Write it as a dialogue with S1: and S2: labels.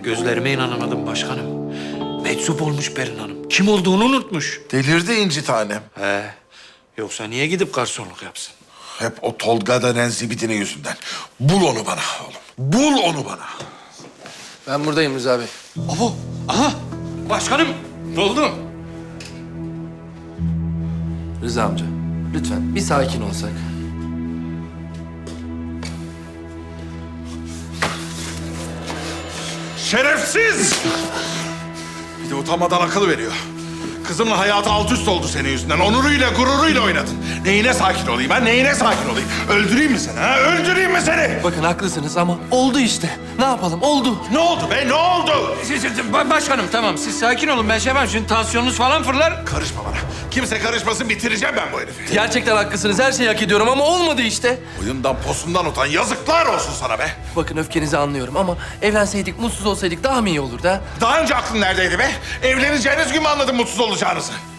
S1: Gözlerime inanamadım başkanım. Meczup olmuş Berin Hanım. Kim olduğunu unutmuş.
S2: Delirdi İnci tanem.
S1: He. Yoksa niye gidip garsonluk yapsın?
S2: Hep o Tolga denen zibidinin yüzünden. Bul onu bana oğlum. Bul onu bana.
S3: Ben buradayım Rıza Bey.
S1: Abo, aha! Başkanım, ne oldu?
S3: Rıza amca, lütfen bir sakin olsak.
S2: Şerefsiz! Bir de utanmadan akıl veriyor. Kızımla hayatı alt üst oldu senin yüzünden. Onuruyla, gururuyla oynadın. Neyine sakin olayım ha? Neyine sakin olayım? Öldüreyim mi seni ha? Öldüreyim mi seni?
S3: Bakın haklısınız ama oldu işte. Ne yapalım? Oldu.
S2: Ne oldu be? Ne oldu?
S1: Başkanım tamam, siz sakin olun. Ben şey yapayım, şimdi tansiyonunuz falan fırlar.
S2: Karışma bana. Kimse karışmasın, bitireceğim ben bu herifi.
S3: Gerçekten haklısınız. Her şeyi hak ediyorum ama olmadı işte.
S2: Boyundan posundan utan. Yazıklar olsun sana be.
S3: Bakın öfkenizi anlıyorum ama evlenseydik, mutsuz olsaydık daha mı iyi olurdu ha?
S2: Daha önce aklın neredeydi be? Evleneceğiniz gün mü anladın mutsuz olacağınızı?